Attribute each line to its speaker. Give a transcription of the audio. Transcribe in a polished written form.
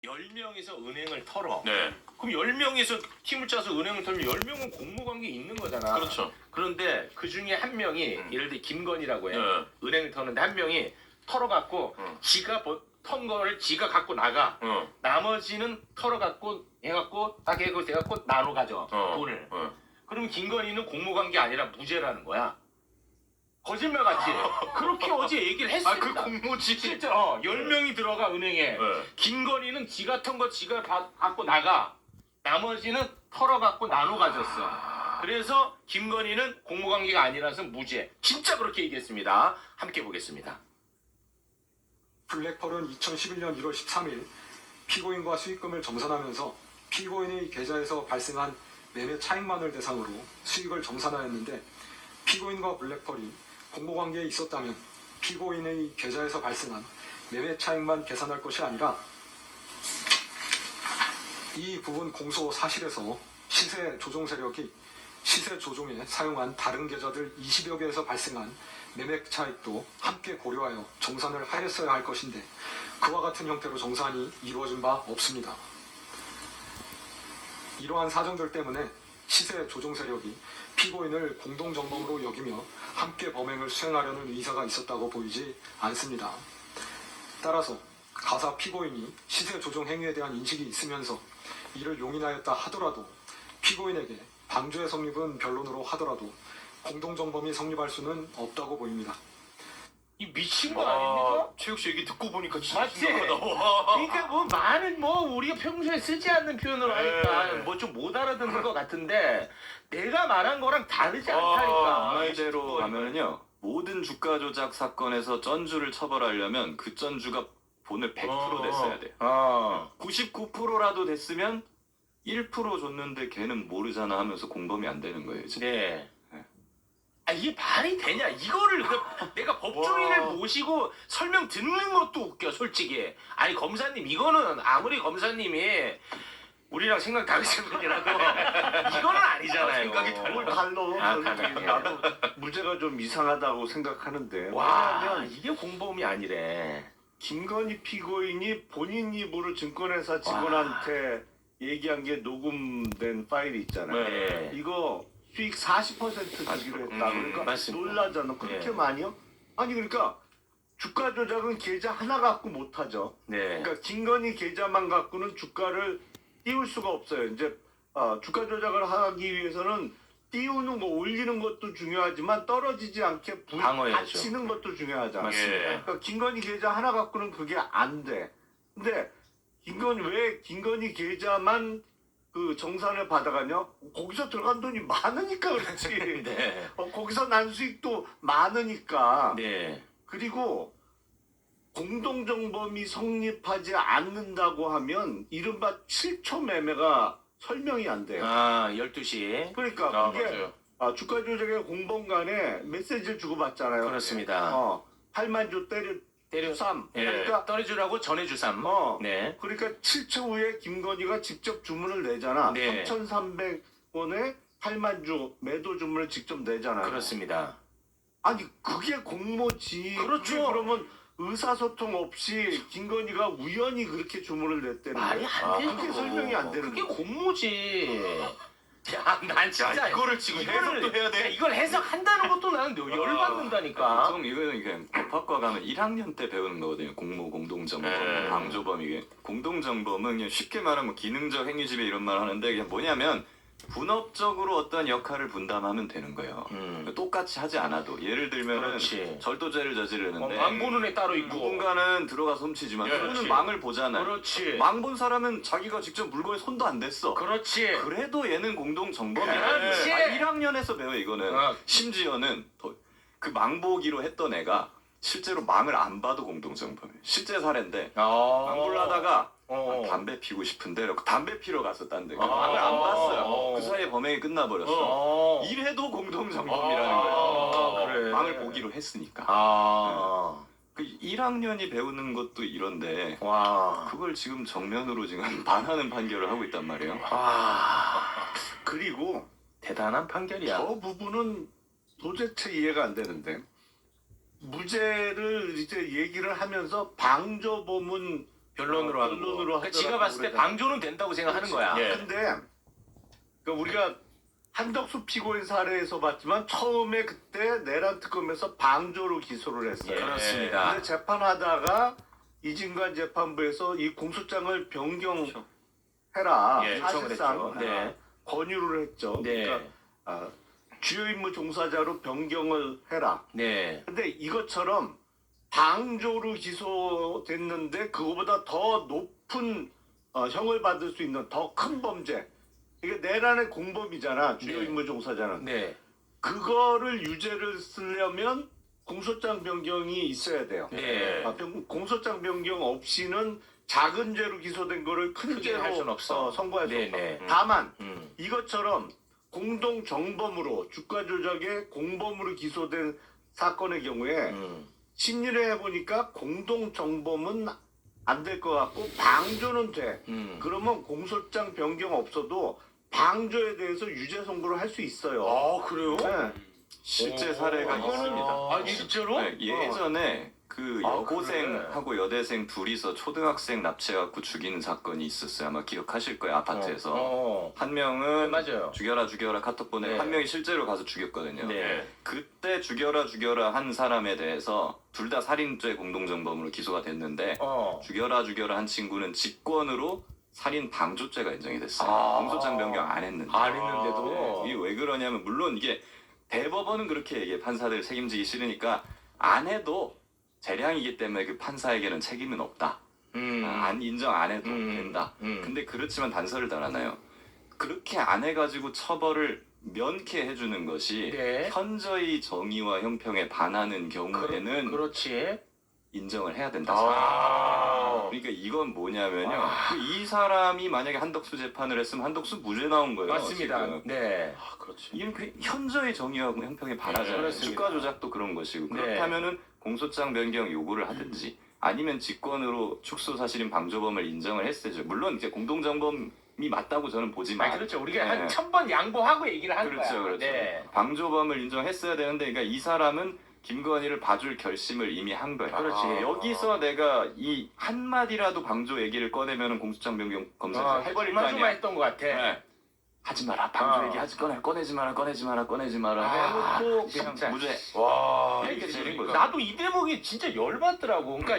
Speaker 1: 10명이서 은행을 털어.
Speaker 2: 네.
Speaker 1: 그럼 10명이서 팀을 짜서 은행을 털면 10명은 공무관계 있는 거잖아.
Speaker 2: 그렇죠.
Speaker 1: 그런데 그 중에 한 명이 예를 들어 김건희라고 해.
Speaker 2: 네.
Speaker 1: 은행을 터는데 한 명이 털어갖고 지가 턴 거를 지가 갖고 나가. 나머지는 털어갖고 해갖고 딱 해갖고 나눠 가져. 돈을. 그럼 김건희는 공무관계 아니라 무죄라는 거야. 거짓말 같지? 그렇게 어제 얘기를 했습니다.
Speaker 2: 그 공모지.
Speaker 1: 진짜 10명이 들어가 은행에.
Speaker 2: 네.
Speaker 1: 김건희는 지가 턴 거 지가 갖고 나가. 나머지는 털어갖고 나눠 가졌어. 그래서 김건희는 공무관계가 아니라서 무죄. 진짜 그렇게 얘기했습니다. 함께 보겠습니다.
Speaker 3: 블랙펄은 2011년 1월 13일 피고인과 수익금을 정산하면서 피고인의 계좌에서 발생한 매매 차익만을 대상으로 수익을 정산하였는데, 피고인과 블랙펄이 공모관계에 있었다면 피고인의 계좌에서 발생한 매매 차익만 계산할 것이 아니라 이 부분 공소 사실에서 시세 조종 세력이 시세 조종에 사용한 다른 계좌들 20여 개에서 발생한 매매 차익도 함께 고려하여 정산을 하였어야 할 것인데, 그와 같은 형태로 정산이 이루어진 바 없습니다. 이러한 사정들 때문에 시세 조종 세력이 피고인을 공동정범으로 여기며 함께 범행을 수행하려는 의사가 있었다고 보이지 않습니다. 따라서 가사 피고인이 시세 조종 행위에 대한 인식이 있으면서 이를 용인하였다 하더라도, 피고인에게 방조의 성립은 변론으로 하더라도 공동정범이 성립할 수는 없다고 보입니다.
Speaker 1: 이 미친 거 아닙니까?
Speaker 2: 최욱 씨 얘기 듣고 보니까 진짜
Speaker 1: 맞지?
Speaker 2: 심각하다. 와.
Speaker 1: 그러니까 뭐 많은 우리가 평소에 쓰지 않는 표현으로 하니까 뭐 좀 못 알아듣는 것 같은데 내가 말한 거랑 다르지 않다니까.
Speaker 4: 이대로 가면은요, 모든 주가 조작 사건에서 전주를 처벌하려면 그 전주가 본을 100% 됐어야 돼. 99%라도 됐으면 1% 줬는데 걔는 모르잖아 하면서 공범이 안 되는 거예요, 지금.
Speaker 1: 네. 아, 이게 말이 되냐? 이거를 내가 법조인을 모시고 설명 듣는 것도 웃겨, 솔직히. 아니, 검사님, 이거는 아무리 검사님이 우리랑 생각 다르신 분이라도 이거는 아니잖아요.
Speaker 2: 생각이
Speaker 5: 뭘 달러.
Speaker 1: 달라요.
Speaker 5: 나도 문제가 좀 이상하다고 생각하는데.
Speaker 1: 와,
Speaker 5: 왜냐하면
Speaker 1: 이게 공범이 아니래.
Speaker 5: 김건희 피고인이 본인 입으로 증권회사 직원한테 얘기한 게 녹음된 파일이 있잖아요.
Speaker 1: 네.
Speaker 5: 이거 수익 40% 주기로 했다. 그러니까
Speaker 1: 맞습니다.
Speaker 5: 놀라잖아. 그렇게
Speaker 1: 네.
Speaker 5: 많이요? 아니 그러니까 주가 조작은 계좌 하나 갖고 못하죠.
Speaker 1: 네.
Speaker 5: 그러니까 김건희 계좌만 갖고는 주가를 띄울 수가 없어요. 이제 주가 조작을 하기 위해서는 띄우는 거, 올리는 것도 중요하지만 떨어지지 않게
Speaker 1: 방어해야죠.
Speaker 5: 받치는 것도 중요하잖아.
Speaker 1: 맞습니다.
Speaker 5: 그러니까 김건희 계좌 하나 갖고는 그게 안 돼. 근데 왜 김건희 계좌만 그 정산을 받아가냐? 거기서 들어간 돈이 많으니까 그렇지.
Speaker 1: 네.
Speaker 5: 거기서 난 수익도 많으니까.
Speaker 1: 네.
Speaker 5: 그리고 공동정범이 성립하지 않는다고 하면 이른바 7초 매매가 설명이 안 돼요.
Speaker 1: 12시.
Speaker 5: 그러니까 그게
Speaker 2: 맞아요.
Speaker 5: 주가 조작의 공범 간에 메시지를 주고받잖아요.
Speaker 1: 그렇습니다.
Speaker 5: 8만 조 때려 3.
Speaker 1: 예.
Speaker 5: 그러니까
Speaker 1: 떨어주라고 전해주삼. 네.
Speaker 5: 그러니까 7초 후에 김건희가 직접 주문을 내잖아.
Speaker 1: 네.
Speaker 5: 3,300원에 8만 주 매도 주문을 직접 내잖아요.
Speaker 1: 그렇습니다.
Speaker 5: 아니 그게 공모지.
Speaker 1: 그렇죠.
Speaker 5: 그게 그러면 의사소통 없이 김건희가 우연히 그렇게 주문을 냈다는
Speaker 1: 말이 안 되는
Speaker 5: 그게
Speaker 1: 거.
Speaker 5: 설명이 안 되는
Speaker 1: 그게
Speaker 5: 거.
Speaker 1: 공모지. 야, 난 진짜
Speaker 2: 야, 이거를 지금 해석도 해야 돼?
Speaker 1: 이걸 해석한다는 것도 나는 열받는다니까.
Speaker 4: 보통 이거는 법학과 가면 1학년 때 배우는 거거든요. 공모, 공동정범,
Speaker 2: 네.
Speaker 4: 방조범. 이게 공동정범은 그냥 쉽게 말하면 뭐 기능적 행위지배 이런 말 하는데, 그냥 뭐냐면 분업적으로 어떤 역할을 분담하면 되는 거예요. 똑같이 하지 않아도, 예를 들면은
Speaker 1: 그렇지.
Speaker 4: 절도죄를 저지르는데
Speaker 1: 망 보는 애 따로 있고.
Speaker 4: 누군가는 들어가서 훔치지만
Speaker 2: 예,
Speaker 4: 누구는
Speaker 2: 그렇지.
Speaker 4: 망을 보잖아요.
Speaker 1: 그렇지.
Speaker 4: 망 본 사람은 자기가 직접 물건에 손도 안 댔어.
Speaker 1: 그렇지.
Speaker 4: 그래도 얘는 공동정범이야.
Speaker 1: 그렇지.
Speaker 4: 1학년에서 배워 이거는.
Speaker 1: 어.
Speaker 4: 심지어는 그 망보기로 했던 애가 실제로 망을 안 봐도 공동정범이에요. 실제 사례인데 망보를 하다가 담배 피고 싶은데 담배 피러 갔어, 딴 데. 망을 안 봤어요. 그 사이에 범행이 끝나버렸어. 이래도 공동정범이라는 거예요.
Speaker 1: 그래.
Speaker 4: 망을 보기로 했으니까. 그 1학년이 배우는 것도 이런데
Speaker 1: 와.
Speaker 4: 그걸 지금 정면으로 지금 반하는 판결을 하고 있단 말이에요.
Speaker 1: 와.
Speaker 5: 그리고
Speaker 1: 대단한 판결이야.
Speaker 5: 저 부분은 도대체 이해가 안 되는데, 무죄를 이제 얘기를 하면서 방조범은
Speaker 1: 변론으로 하는 거.
Speaker 5: 변론으로
Speaker 1: 그러니까 지가
Speaker 5: 하더라고
Speaker 1: 봤을 때
Speaker 5: 그러잖아.
Speaker 1: 방조는 된다고 생각하는 거야.
Speaker 2: 예.
Speaker 5: 근데 그러니까 우리가 한덕수 피고인 사례에서 봤지만 처음에 그때 내란 특검에서 방조로 기소를 했어요.
Speaker 2: 예.
Speaker 1: 그렇습니다.
Speaker 5: 근데 재판하다가 이진관 재판부에서 이 공소장을 변경해라.
Speaker 2: 예,
Speaker 5: 사실상
Speaker 1: 요청을 했죠. 네.
Speaker 5: 권유를 했죠.
Speaker 1: 네.
Speaker 5: 그러니까 주요 임무 종사자로 변경을 해라.
Speaker 1: 네.
Speaker 5: 근데 이것처럼 방조로 기소됐는데 그거보다 더 높은 형을 받을 수 있는 더 큰 범죄. 이게 내란의 공범이잖아. 주요
Speaker 1: 네.
Speaker 5: 임무 종사자는.
Speaker 1: 네.
Speaker 5: 그거를 유죄를 쓰려면 공소장 변경이 있어야 돼요.
Speaker 1: 네.
Speaker 5: 공소장 변경 없이는 작은 죄로 기소된 거를 큰
Speaker 1: 크게
Speaker 5: 죄로
Speaker 1: 할 순 없어.
Speaker 5: 선고할 수
Speaker 1: 네,
Speaker 5: 없어.
Speaker 1: 네.
Speaker 5: 다만
Speaker 1: 음.
Speaker 5: 이것처럼 공동 정범으로 주가 조작의 공범으로 기소된 사건의 경우에 심리를 해보니까 공동 정범은 안 될 것 같고 방조는 돼. 그러면 공소장 변경 없어도 방조에 대해서 유죄 선고를 할 수 있어요.
Speaker 1: 아, 그래요?
Speaker 5: 네.
Speaker 4: 실제 사례가
Speaker 1: 이거는
Speaker 4: 있습니다.
Speaker 1: 아, 진짜로?
Speaker 4: 네, 예전에 그
Speaker 1: 아,
Speaker 4: 여고생하고 여대생 둘이서 초등학생 납치해갖고 죽이는 사건이 있었어요. 아마 기억하실 거예요. 아파트에서. 한 명은
Speaker 1: 맞아요.
Speaker 4: 죽여라 카톡 보내고
Speaker 1: 네.
Speaker 4: 한 명이 실제로 가서 죽였거든요.
Speaker 1: 네.
Speaker 4: 그때 죽여라 한 사람에 대해서 둘 다 살인죄 공동정범으로 기소가 됐는데 죽여라 한 친구는 직권으로 살인 방조죄가 인정이 됐어요.
Speaker 1: 아.
Speaker 4: 공소장 변경 안 했는데.
Speaker 1: 안 했는데도.
Speaker 4: 이게 왜 그러냐면 물론 이게 대법원은 그렇게 얘기해. 판사들 책임지기 싫으니까 안 해도 재량이기 때문에 그 판사에게는 책임은 없다. 안 인정 안 해도 된다. 근데 그렇지만 단서를 달아나요. 그렇게 안 해가지고 처벌을 면케 해주는 것이
Speaker 1: 네.
Speaker 4: 현저히 정의와 형평에 반하는 경우에는
Speaker 1: 그렇지.
Speaker 4: 인정을 해야 된다.
Speaker 1: 아.
Speaker 4: 그러니까 이건 뭐냐면요. 이 사람이 만약에 한덕수 재판을 했으면 한덕수 무죄 나온 거예요.
Speaker 1: 맞습니다.
Speaker 4: 지금.
Speaker 1: 네.
Speaker 2: 아, 그렇지.
Speaker 4: 이건 그 현저히 정의와 형평에 반하잖아요.
Speaker 1: 그렇습니다.
Speaker 4: 주가 조작도 그런 것이고
Speaker 1: 네.
Speaker 4: 그렇다면은 공소장 변경 요구를 하든지 아니면 직권으로 축소 사실인 방조범을 인정을 했어야죠. 물론 이제 공동정범이 맞다고 저는 보지만
Speaker 1: 아, 그렇죠. 우리가
Speaker 4: 네.
Speaker 1: 한 1000번 양보하고 얘기를 한
Speaker 4: 그렇죠,
Speaker 1: 거야.
Speaker 4: 그렇죠.
Speaker 1: 네.
Speaker 4: 방조범을 인정했어야 되는데, 그러니까 이 사람은 김건희를 봐줄 결심을 이미 한 거예요.
Speaker 1: 그렇지.
Speaker 4: 여기서 내가 이 한마디라도 방조 얘기를 꺼내면 공소장 변경 검사에서 해버릴 거
Speaker 1: 그만두마
Speaker 4: 아니야.
Speaker 1: 했던 것 같아.
Speaker 4: 네. 하지 마라, 방조 얘기 꺼내지 마라. 해놓고 그냥
Speaker 1: 진짜.
Speaker 4: 무죄.
Speaker 1: 와,
Speaker 4: 이렇게 되는 거죠.
Speaker 1: 나도 이 대목이 진짜 열받더라고. 그러니까